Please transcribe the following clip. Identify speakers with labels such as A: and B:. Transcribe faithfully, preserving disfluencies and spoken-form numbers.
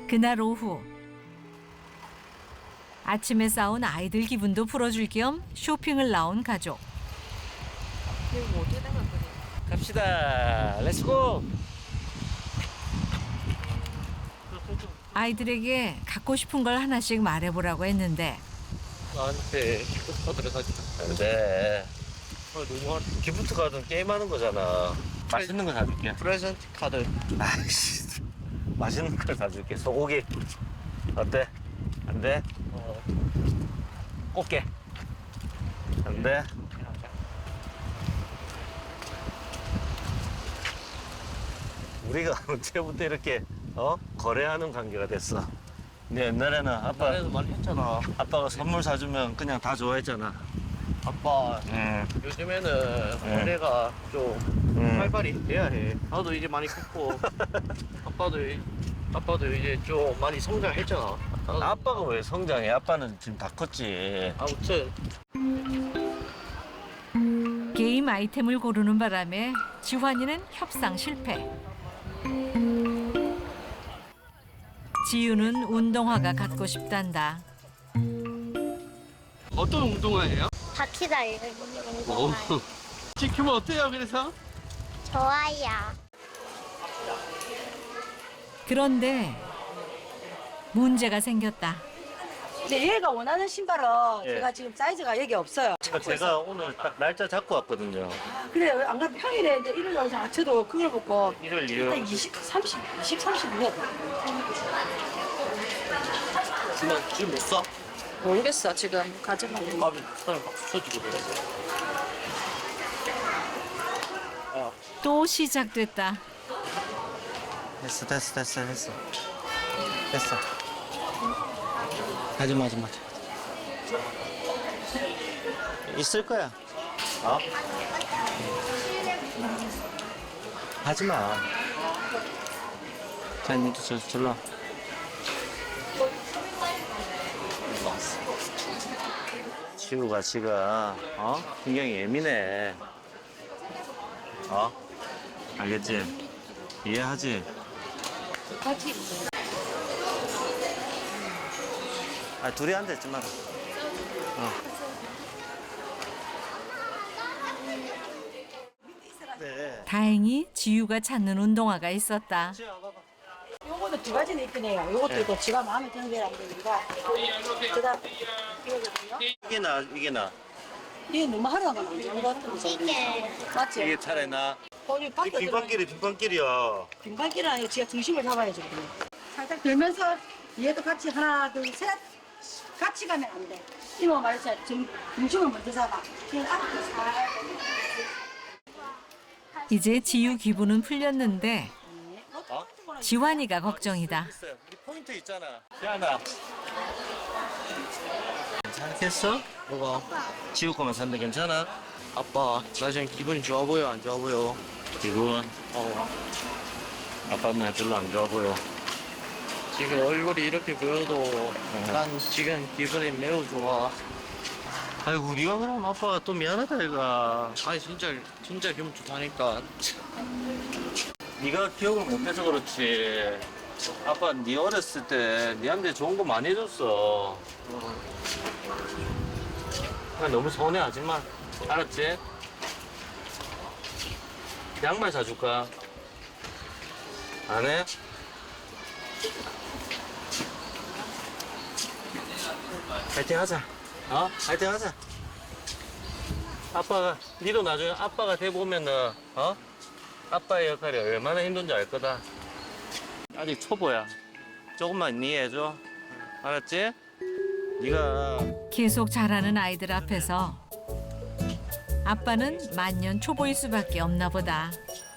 A: 그날 오후 아침에 싸운 아이들 기분도 풀어줄 겸 쇼핑을 나온 가족.
B: 이거 어떻게 되면 그래?
C: 갑시다. 렛츠고.
A: 아이들에게 갖고 싶은 걸 하나씩 말해보라고 했는데
C: 나한테 기프트카드를 사주안 돼. 아, 너무 기프트 카드는 게임하는 거잖아. 맛있는 거 사줄게.
B: 프레젠트 카드.
C: 아이씨. 맛있는 걸 사줄게. 소고기. 어때? 안 돼?
B: 어.
C: 꽃게. 안 돼? 우리가 언제부터 이렇게 어? 거래하는 관계가 됐어. 근데 옛날에는 아빠
B: 나에도 많이 했잖아.
C: 아빠가 선물 사주면 그냥 다 좋아했잖아.
B: 아빠
C: 응.
B: 요즘에는 거래가 좀
C: 응.
B: 활발히 돼야 해. 나도 이제 많이 컸고 아빠도 이- 아빠도 이제 좀 많이 성장했잖아. 나도-
C: 아빠가 왜 성장해? 아빠는 지금 다 컸지.
B: 아무튼
A: 게임 아이템을 고르는 바람에 지환이는 협상 실패. 지유는 운동화가 갖고 싶단다.
B: 어떤 운동화예요?
D: 바퀴 달린 운동화.
B: 지키면 어때요? 그래서
D: 좋아요.
A: 그런데 문제가 생겼다.
E: 근데 얘가 원하는 신발은
C: 예.
E: 제가 지금 사이즈가 여기 없어요.
C: 그러니까 제가 오늘 딱 날짜 잡고 왔거든요.
E: 그래요. 안 그러면 평일에 이제 일요일 날 자체도 그걸 먹고
C: 일요일
E: 한
C: 일요일.
E: 이십, 삼십, 이십, 삼십 이요.
B: 지금 지금 못 사?
E: 모르겠어. 지금 가져가면.
B: 밥이 사람 박수 쳐주고 그래.
A: 또 시작됐다.
C: 됐어 됐어 됐어 됐어 됐어. 하지 마 하지 마. 있을 거야. 어? 하지 마. 자, 니도 저 절로 와. 지우가 지가 어? 굉장히 예민해. 어? 알겠지? 이해하지?
E: 같이.
C: 아, 둘이 앉아있지 마라. 어. 네.
A: 다행히 지유가 찾는 운동화가 있었다.
C: 지우야, 봐봐.
E: 요거는 두 가지는 있긴 해요. 요것도
C: 네.
E: 있고 지가 마음에 드는 게라고 그러니까. 그다음 이거거든요.
C: 이게 나, 이게 나.
E: 이게 너무 하루가 안 좋은 것 같은데.
D: 이게
E: 맞지?
C: 이게 차라리 나.
E: 거기
C: 이
E: 밖에 들어.
C: 빈방길이 빈방길이야.
E: 빈발길은 아니고 지가 중심을 잡아야죠. 그러면. 살짝 들면서 얘도 같이 하나, 둘, 셋. 같이 가면 안 돼. 이모 말했잖아. 중, 중심을 먼저 잡아. 그냥 앞으로 살.
A: 이제 지유 기분은 풀렸는데
C: 어?
A: 지환이가 걱정이다.
C: 있어요. 우리 포인트 있잖아. 지안아. 괜찮겠어?
B: 뭐가?
C: 지우 거만 샀는데 괜찮아?
B: 아빠 나 지금 기분이 좋아 보여 안 좋아 보여?
C: 기분?
B: 어
C: 아빠는 별로 안 좋아 보여.
B: 지금 얼굴이 이렇게 보여도 난 지금 기분이 매우 좋아.
C: 아이고, 네가 그럼 아빠가 또 미안하다, 이거.
B: 아니 진짜 진짜 기분 좋다니까.
C: 네가 기억을 못해서 그렇지. 아빠 네 어렸을 때 네한테 좋은 거 많이 해줬어. 그냥 너무 서운해하지 마. 알았지? 양말 사줄까? 안 해? 파이팅 하자. 어? 파이팅 하자. 아빠가, 니도 나중에 아빠가 돼보면은, 어? 아빠의 역할이 얼마나 힘든지 알 거다. 아직 초보야. 조금만 이해해줘. 알았지? 네가
A: 계속 자라는 아이들 앞에서 아빠는 만년 초보일 수밖에 없나 보다.